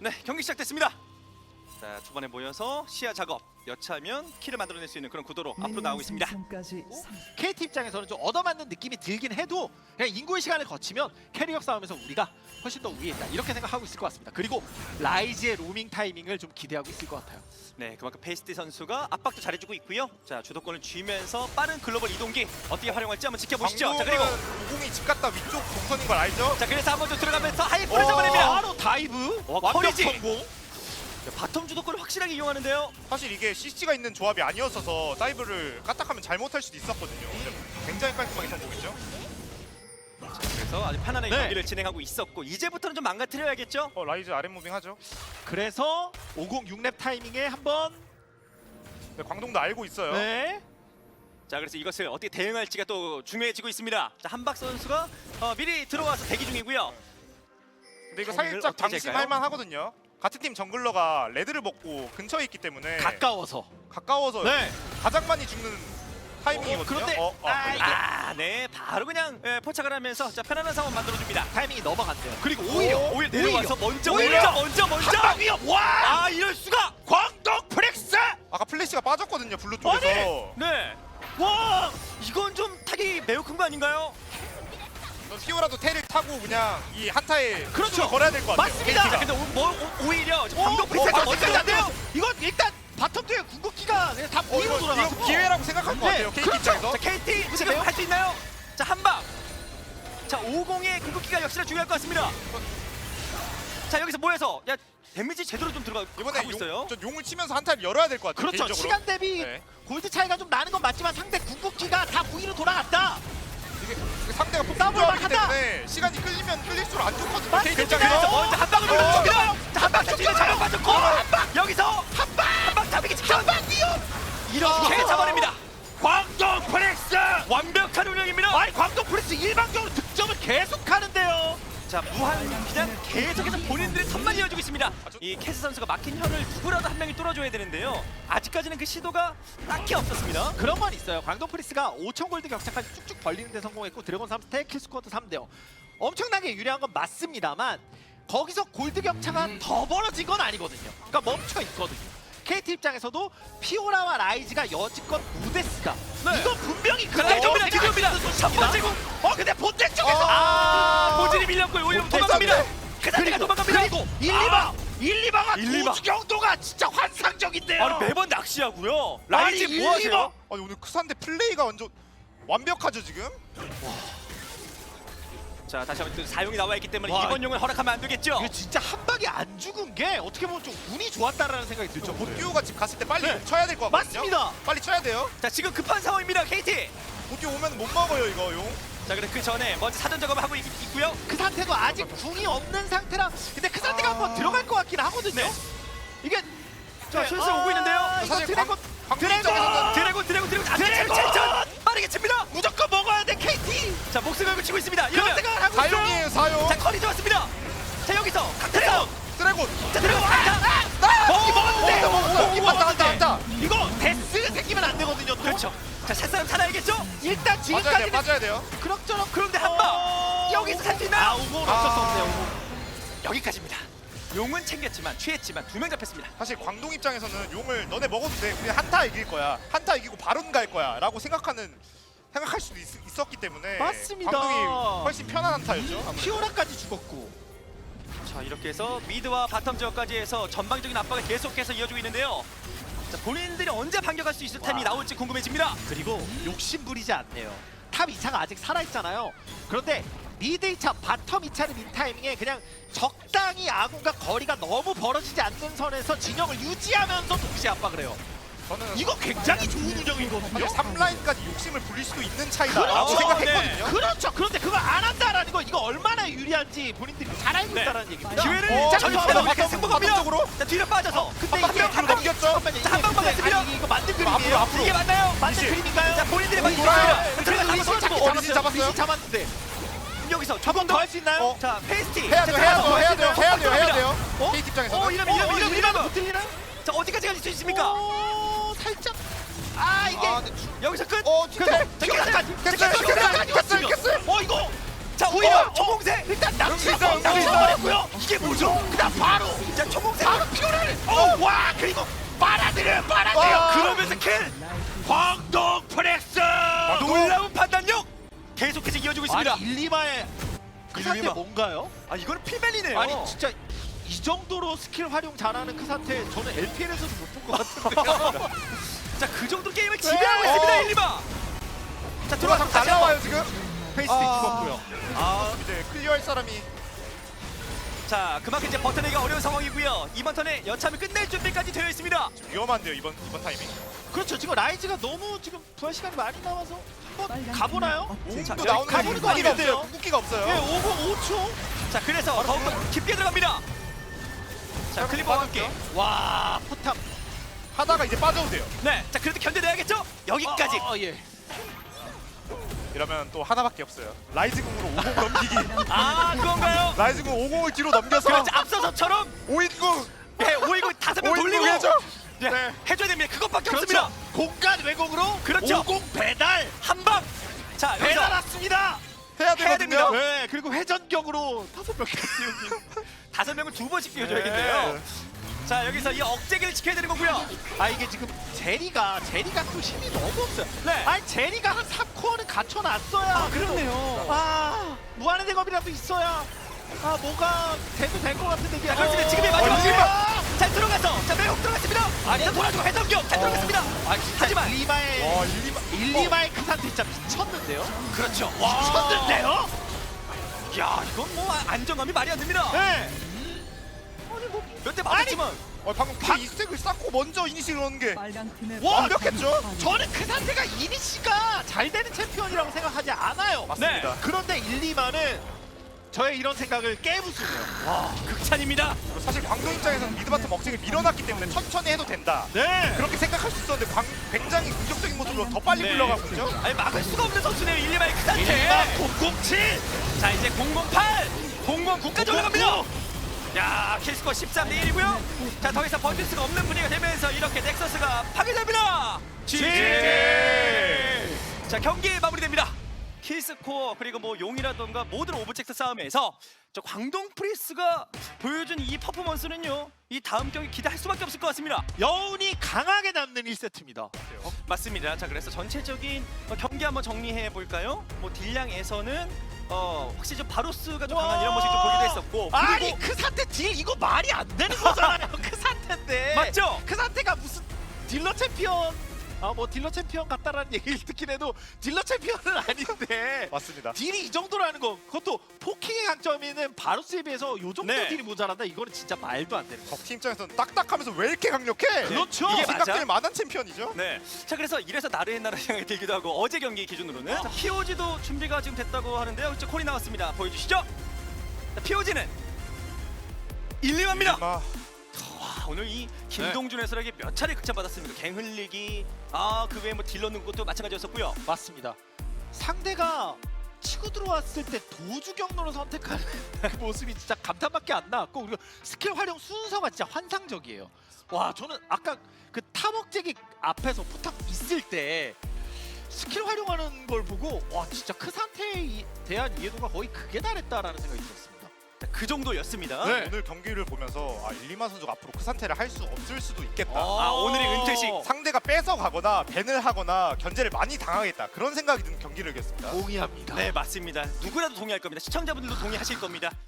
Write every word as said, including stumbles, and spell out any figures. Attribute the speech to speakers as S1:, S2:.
S1: 네, 경기 시작됐습니다. 자, 초반에 모여서 시야 작업, 여차하면 킬을 만들어낼 수 있는 그런 구도로 앞으로 나오고 있습니다.
S2: 케이티 입장에서는 좀 얻어맞는 느낌이 들긴 해도 그냥 인구의 시간을 거치면 캐리어 싸움에서 우리가 훨씬 더 위에 있다 이렇게 생각하고 있을 것 같습니다. 그리고 라이즈의 로밍 타이밍을 좀 기대하고 있을 것 같아요.
S1: 네, 그만큼 페이스티 선수가 압박도 잘해주고 있고요. 자, 주도권을 쥐면서 빠른 글로벌 이동기 어떻게 활용할지 한번 지켜보시죠. 자, 그리고
S3: 오공이 집 갔다 위쪽 동선인 걸 알죠?
S1: 자, 그래서 한번 좀 들어가면서 하이프를
S3: 어,
S1: 잡아냅니다.
S2: 바로 다이브
S1: 와,
S2: 완벽
S1: 커리지.
S2: 성공.
S1: 자, 바텀 주도권을 확실하게 이용하는데요.
S3: 사실 이게 씨씨가 있는 조합이 아니었어서 다이브를 까딱하면 잘못할 수도 있었거든요. 근데 굉장히 깔끔하게 성공했죠.
S1: 자, 그래서 아주 편안하게
S2: 네.
S1: 경기를 진행하고 있었고 이제부터는 좀 망가뜨려야겠죠.
S3: 어 라이즈 아랫 무빙 하죠.
S2: 그래서 오공육 렙 타이밍에 한번
S3: 네, 광동도 알고 있어요.
S2: 네.
S1: 자, 그래서 이것을 어떻게 대응할지가 또 중요해지고 있습니다. 자, 한박 선수가 어, 미리 들어와서 대기 중이고요.
S3: 근데 이거
S1: 타이밍을
S3: 살짝
S1: 어떻게
S3: 방심할
S1: 잴까요?
S3: 만하거든요. 같은 팀 정글러가 레드를 먹고 근처에 있기 때문에
S2: 가까워서.
S3: 가까워서
S2: 네.
S3: 가장 많이 죽는 타이밍이거든요.
S2: 어, 그런데
S3: 어, 어,
S2: 아,
S3: 그래.
S2: 이게
S1: 아, 네, 바로 그냥 예, 포착을 하면서 자, 편안한 상황 만들어줍니다.
S2: 타이밍이 넘어간대요. 그리고 오히려
S1: 오, 오히려 내려와서 먼저
S2: 오히려!
S1: 먼저 먼저 먼저
S2: 한방 위협 와!
S1: 아, 이럴 수가.
S2: 광동 프렉스!
S3: 아까 플래시가 빠졌거든요. 블루 쪽에서.
S1: 네. 와, 이건 좀 타격이 매우 큰 거 아닌가요?
S3: 넌 피오라도 테를 타고 그냥 이 한타에
S2: 그렇죠.
S3: 수를 걸어야 될 것 같아요.
S2: 맞습니다.
S1: 자,
S3: 케이티가.
S1: 근데 오, 뭐, 오, 오히려
S2: 어,
S1: 감독
S2: 어,
S1: 프리셋가
S2: 맞습니다.
S1: 먼저
S2: 안 돼요. 이건 일단 바텀 뒤에 궁극기가 그냥 다
S3: 어,
S2: 보이로
S3: 이거,
S2: 돌아가서
S3: 이거 기회라고 생각할 것
S2: 네,
S3: 같아요. 케이티
S2: 그렇죠.
S3: 입장에서.
S1: 자, 케이티 지금
S2: 매우-
S1: 할 수 있나요? 자, 한방. 자, 오공의 궁극기가 역시나 중요할 것 같습니다. 자, 여기서 모여서 야, 데미지 제대로 좀 들어가고
S3: 이번에
S1: 있어요.
S3: 용, 전 용을 치면서 한타를 열어야 될 것 같아요.
S2: 그렇죠.
S3: 개인적으로.
S2: 시간 대비
S3: 네.
S2: 골드 차이가 좀 나는 건 맞지만 상대 궁극기가 다 무기로 돌아갔다.
S3: 이게 상대가
S2: 더블
S3: 폭풍조합이기
S2: 막한다.
S3: 때문에 시간이 끌리면 끌릴수록 안 좋거든요.
S2: 맞습니다.
S3: 케이티
S1: 그래서
S3: 입장에서.
S1: 먼저 한 방을
S2: 어,
S1: 눌러줍니다.
S2: 어,
S1: 자, 한방 터지면 잘못 빠졌고 한방 여기서 한방 한방 잡히기 직전
S2: 한방 위협!
S1: 이렇게 잡아냅니다.
S2: 광동 프렉스!
S1: 완벽한 운영입니다.
S2: 아니 광동 프렉스 일방적으로 득점을 계속하는데요.
S1: 자, 무한 그냥 계속해서 본인들의 턴만 이어주고 있습니다. 이 캐스 선수가 막힌 현을 누구라도 한 명이 뚫어줘야 되는데요. 아직까지는 그 시도가 딱히 없었습니다.
S2: 그런 건 있어요. 광동 프렉스가 오천 골드 격차까지 쭉쭉 벌리는 데 성공했고 드래곤 삼 스택, 킬스쿼드 삼 대요. 엄청나게 유리한 건 맞습니다만 거기서 골드 격차가
S1: 음.
S2: 더 벌어진 건 아니거든요. 그러니까 멈춰 있거든요. 케이티 입장에서도 피오라와 라이즈가 여지껏 무데스가
S1: 네.
S2: 이건 분명히
S1: 자,
S2: 그래요.
S1: 드디어입니다. 드디어입니다. 첫 번째 공.
S2: 어 근데 본대 쪽에서
S1: 아, 본진이 밀렸고요. 오히려
S2: 본대
S1: 도망갑니다.
S2: 쪽에.
S1: 그 상태가
S2: 그리고
S1: 도망갑니다.
S2: 그리고 일, 이방 일, 이방아
S1: 일, 이방.
S2: 도주경도가 진짜 환상적인데요.
S1: 아니, 매번 낚시하고요. 라이즈
S2: 아니,
S1: 뭐 하세요?
S2: 일리바.
S3: 아니 오늘 크산데 플레이가 완전 완벽하죠 지금.
S1: 자, 다시 한번 또 사용이 나와 있기 때문에
S2: 와,
S1: 이번 용을 허락하면 안 되겠죠.
S2: 이거 진짜 한 방에 안 죽은 게 어떻게 보면 좀 운이 좋았다라는 생각이 들죠.
S3: 보듀오가 집 갔을 때 빨리
S2: 네.
S3: 쳐야 될 것 같거든요.
S2: 맞습니다.
S3: 빨리 쳐야 돼요.
S1: 자, 지금 급한 상황입니다. 케이티.
S3: 보듀오 오면 못 먹어요 이거 용.
S1: 자, 그래 그 전에 먼저 사전 작업을 하고 있, 있고요.
S2: 그 상태도 아직 궁이 없는 상태라 근데 그 상태가
S3: 아.
S2: 한번 들어갈 것 같긴 하거든요.
S1: 네.
S2: 이게
S1: 자,
S2: 네,
S1: 슬슬
S2: 아,
S1: 오고 있는데요.
S2: 이거
S3: 사실
S2: 드래곤
S3: 광
S2: 드래곤!
S3: 입장에서는
S1: 드래곤 드래곤 드래곤 안
S2: 드래곤!
S1: 천 빠르게 칩니다.
S2: 무조건 먹어야 돼 케이티.
S1: 자, 목숨 걸고 치고 있습니다.
S2: 그런
S1: 이러면
S2: 생각을 하고 있어요.
S3: 사용이에요 사용.
S1: 자, 커리 좋았습니다. 자, 여기서 강태성.
S3: 드래곤.
S1: 자, 드래곤 강타.
S2: 먹기 먹었는데
S3: 먹었어, 먹었어.
S2: 먹기
S3: 한타,
S2: 먹었는데
S3: 한타, 한타.
S2: 이거 데스 생기면 안 되거든요. 또.
S1: 그렇죠. 자, 샷사람 살아야겠죠?
S2: 일단
S3: 빠져야 돼요
S2: 지금까지는
S3: 빠져야 돼요.
S2: 그럭저럭
S1: 그런데 한 방. 여기서 살 수 있나요?
S2: 아 우고 어쩔 수 없네요. 우고.
S1: 여기까지입니다. 용은 챙겼지만 취했지만 두 명 잡혔습니다.
S3: 사실 광동 입장에서는 용을 너네 먹어도 돼. 우리 한타 이길 거야. 한타 이기고 바론 갈 거야라고 생각하는 생각할 수도 있, 있었기 때문에
S2: 맞습니다.
S3: 광동이 훨씬 편한 한타였죠. 아무래도.
S2: 피오라까지 죽었고.
S1: 자, 이렇게 해서 미드와 바텀 지역까지 해서 전방적인 압박을 계속해서 이어주고 있는데요. 자, 본인들이 언제 반격할 수 있을 타임이
S2: 와.
S1: 나올지 궁금해집니다.
S2: 그리고 욕심 부리지 않네요. 탑 이 차가 아직 살아있잖아요. 그런데 미드 이 차, 바텀 이 차를 민 타이밍에 그냥 적당히 아군과 거리가 너무 벌어지지 않는 선에서 진영을 유지하면서 동시에 압박을 해요.
S3: 저는
S2: 이거 굉장히 좋은 운영이거든요.
S3: 사실 삼 라인까지 욕심을 부릴 수도 있는 차이다라고
S2: 그렇죠.
S3: 생각했거든요.
S2: 그렇죠. 그런데 그걸 안 한다라는 거 이거 얼마나 유리한지 본인들이 잘 알고
S1: 네.
S2: 있다는 얘기입니다.
S1: 기회를
S3: 어,
S1: 자,
S3: 잠깐만요.
S1: 전if니다. 우리가
S3: 바텀,
S1: 승부갑니다.
S3: 바텀쪽으로.
S1: 자, 뒤로 빠져서.
S2: 근데
S3: 한
S2: 이게
S3: 바퀴 뒤로 넘겼죠?
S2: 잠깐만요.
S1: 자, 한 방만
S2: 이게-
S1: 했습니다.
S2: 아니, 이거 만든
S3: 앞으로,
S2: 그림이에요.
S3: 앞으로.
S1: 이게 맞나요?
S2: 만든
S3: 미시.
S2: 그림인가요?
S1: 자, 본인들이
S3: 이거
S1: 맞고
S3: 돌아요.
S1: 있습니다.
S2: 그래도
S1: 들어가서
S2: 미시
S1: 한번
S2: 잡고
S1: 던지고.
S3: 어, 미시 잡았어요?
S2: 미시 잡았는데
S1: 여기서
S2: 한 번 더 할 수 있나요?
S3: 어.
S1: 자, 페이스티.
S3: 해야 돼요,
S1: 자,
S3: 해야
S1: 들어가서
S3: 돼요, 해야 돼요, 해야 돼요, 해야
S1: 들어갑니다.
S3: 돼요.
S1: 어?
S3: 케이티 입장에서는.
S1: 어, 이러면 이러면 이러면 이러면.
S2: 못 들리나?
S1: 자, 어디까지 갈 수 있습니까?
S2: 오, 살짝. 아 이게.
S3: 아, 근데 주-
S1: 여기서 끝.
S3: 어,
S2: 그래서
S3: 디테일.
S2: 피오라까지.
S3: 됐어요, 됐어요, 됐어요, 됐어요.
S2: 어 이거.
S1: 자, 오히려
S3: 어,
S1: 초공세 새.
S2: 일단 낚시가
S3: 여기서
S2: 낚시버렸고요. 이게 뭐죠? 그다음 바로
S1: 자 초공세.
S2: 바로 피오를. 어, 와 그리고 빨아들여요, 빨아들여.
S3: 와.
S1: 그러면서 킬.
S2: 광동 프레스.
S1: 놀라운 판단력. 계속해서 이어지고 있습니다.
S2: 아니 일리마의 그 상태
S1: 일리마.
S2: 뭔가요?
S1: 아 이거는 필벨리네요.
S2: 아니 진짜 이 정도로 스킬 활용 잘하는 그 상태 저는 엘피엘에서도 못 본 것 같은데요.
S1: 자그 정도 게임을 지배하고 있습니다
S3: 어.
S1: 일리마. 자
S3: 들어와
S1: 들어와서
S3: 잘
S1: 다시
S3: 나와요
S1: 한번.
S3: 지금.
S2: 페이스
S3: 아.
S2: 죽었고요.
S1: 아,
S3: 이제 클리어할 사람이
S1: 자 그만큼 이제 버텨내기가 어려운 상황이고요. 이번 턴에 여참을 끝낼 준비까지 되어 있습니다.
S3: 위험한데요 이번 이번 타이밍.
S2: 그렇죠. 지금 라이즈가 너무 지금 부활 시간이 많이 남아서 한번 가보나요?
S1: 자,
S3: 도
S1: 여기
S3: 나오는
S2: 가보는 거
S3: 궁극기가
S2: 아니겠어요?
S3: 없어요. 궁극기가 없어요.
S2: 네, 오공 오 초.
S1: 자 그래서 더욱더 깊게 들어갑니다. 자 클리퍼와 함께.
S2: 와 포탑.
S3: 하다가 이제 빠져도 돼요.
S1: 네, 자 그래도 견뎌내야겠죠? 여기까지.
S2: 어, 어, 예.
S3: 이러면 또 하나밖에 없어요. 라이즈 궁으로 오공 넘기기.
S1: 아 그건가요?
S3: 라이즈 궁 오공을 뒤로 넘겨서
S1: 그렇지 앞서서처럼
S3: 오인궁
S1: 네, 오이고 다섯 명 돌리고
S3: 오인궁 해줘.
S1: 네,
S3: 네.
S1: 해줘야 됩니다. 그것밖에
S2: 그렇죠.
S1: 없습니다.
S2: 공간 왜곡으로
S1: 그렇죠.
S2: 오공 배달.
S1: 한 방. 자
S2: 배달
S1: 여기서
S2: 왔습니다.
S3: 해야
S1: 해야 됩니다.
S3: 되거든요.
S2: 네, 그리고 회전격으로 다섯 명까지 띄우기.
S1: 다섯 명을 두 번씩 띄워줘야겠네요.
S3: 네.
S1: 자 여기서 이 억제기를 지켜야 되는 거고요.
S2: 아 이게 지금 제리가 제리가 또 힘이 너무 없어요.
S1: 네.
S2: 아니 제리가 한 삼 코어는 갖춰놨어야.
S1: 아, 그렇네요.
S2: 아 무한의 대검이라도 있어야. 아 뭐가 돼도 될 것 같은데 이게.
S1: 자 그렇습니다.
S2: 어,
S1: 지금이 마지막
S2: 어,
S1: 기회입니다. 잘 들어가서 자 매혹 들어갔습니다. 아니 자 돌아주고 회전격 잘 들어갔습니다.
S2: 아 진짜
S1: 하지만
S2: 일리마의
S3: 와 일리마.
S2: 일리마의 그 상태 진짜 미쳤는데요.
S1: 그렇죠.
S2: 미쳤는데요.
S1: 야 이건 뭐 안정감이 말이 안 됩니다.
S2: 네.
S1: 몇 대 맞았지만
S3: 어, 방금 그 이스택을 쌓고 먼저 이니시를 넣는 게
S4: 빨간 팀의
S2: 와,
S3: 완벽했죠?
S2: 저는 그 상태가 이니시가 잘 되는 챔피언이라고 생각하지 않아요.
S3: 맞습니다.
S2: 그런데 일리마는 저의 이런 생각을 깨부수네요.
S1: 와 극찬입니다.
S3: 그리고 사실 광동 입장에서는 미드바텀 억제를 밀어놨기 때문에 천천히 해도 된다.
S2: 네.
S3: 그렇게 생각할 수 있었는데 광, 굉장히 긍정적인 모습으로 더 빨리
S1: 네.
S3: 굴러가고 있죠.
S1: 아니 막을 수가 없는 선수네요. 일리마의 그 상태.
S2: 일리마 공공칠.
S1: 자 이제 공공팔, 공공구까지 올라갑니다. 야 킬스코어 십삼 대 일이고요. 자 더 이상 버틸 수가 없는 분위기가 되면서 이렇게 넥서스가 파괴됩니다. 지지. 자 경기 마무리됩니다. 킬스코어 그리고 뭐 용이라던가 모든 오브젝트 싸움에서 저 광동 프리스가 보여준 이 퍼포먼스는요. 이 다음 경기 기대할 수밖에 없을 것 같습니다.
S2: 여운이 강하게 남는 일 세트입니다.
S1: 맞습니다. 자 그래서 전체적인 어, 경기 한번 정리해 볼까요? 뭐 딜량에서는 어 확실히 좀 바로스가 좀 강한 이런 모습 좀 보기도 했었고
S2: 아니
S1: 그리고
S2: 그 상태 딜 이거 말이 안 되는 거잖아요. 그 상태인데.
S1: 맞죠?
S2: 그 상태가 무슨 딜러 챔피언. 아 뭐 딜러 챔피언 같다라는 얘기를 듣긴 해도 딜러 챔피언은 아닌데.
S3: 맞습니다.
S2: 딜이 이 정도라는 거 그것도 포킹의 강점이 있는 바루스에 비해서 요 정도
S1: 네.
S2: 딜이 모자란다 이거는 진짜 말도 안 되는 거.
S3: 적팀 입장에서는 딱딱하면서 왜 이렇게 강력해?
S2: 그렇죠.
S1: 이게 맞아?
S3: 생각될 만한 챔피언이죠.
S1: 네. 자 그래서 이래서 나르 옛날의 생각이 들기도 하고 어제 경기 기준으로는 자, 피오지도 준비가 지금 됐다고 하는데요. 이제 콜이 나왔습니다. 보여주시죠. 자, 피오지는 일리마입니다.
S3: 마,
S1: 와 오늘 이 김동준 해설에게 몇 차례 극찬받았습니다. 갱 흘리기 아 그 외에 뭐 딜 넣는 것도 마찬가지였었고요.
S2: 맞습니다. 상대가 치고 들어왔을 때 도주 경로를 선택하는 그 모습이 진짜 감탄밖에 안 나왔고 그리고 스킬 활용 순서가 진짜 환상적이에요. 와 저는 아까 그 탐억제기 앞에서 포탑 있을 때 스킬 활용하는 걸 보고 와 진짜 그 상태에 이- 대한 이해도가 거의 극에 달했다라는 생각이 들었습니다.
S1: 자, 그 정도였습니다.
S2: 네.
S3: 오늘 경기를 보면서 아 일리마 선수가 앞으로 그 상태를 할 수 없을 수도 있겠다.
S1: 아, 오늘의 은퇴식.
S3: 상대가 뺏어가거나 밴을 하거나 견제를 많이 당하겠다. 그런 생각이 드는 경기를 이겼습니다.
S2: 동의합니다.
S1: 네 맞습니다. 누구라도 동의할 겁니다. 시청자분들도 동의하실 겁니다.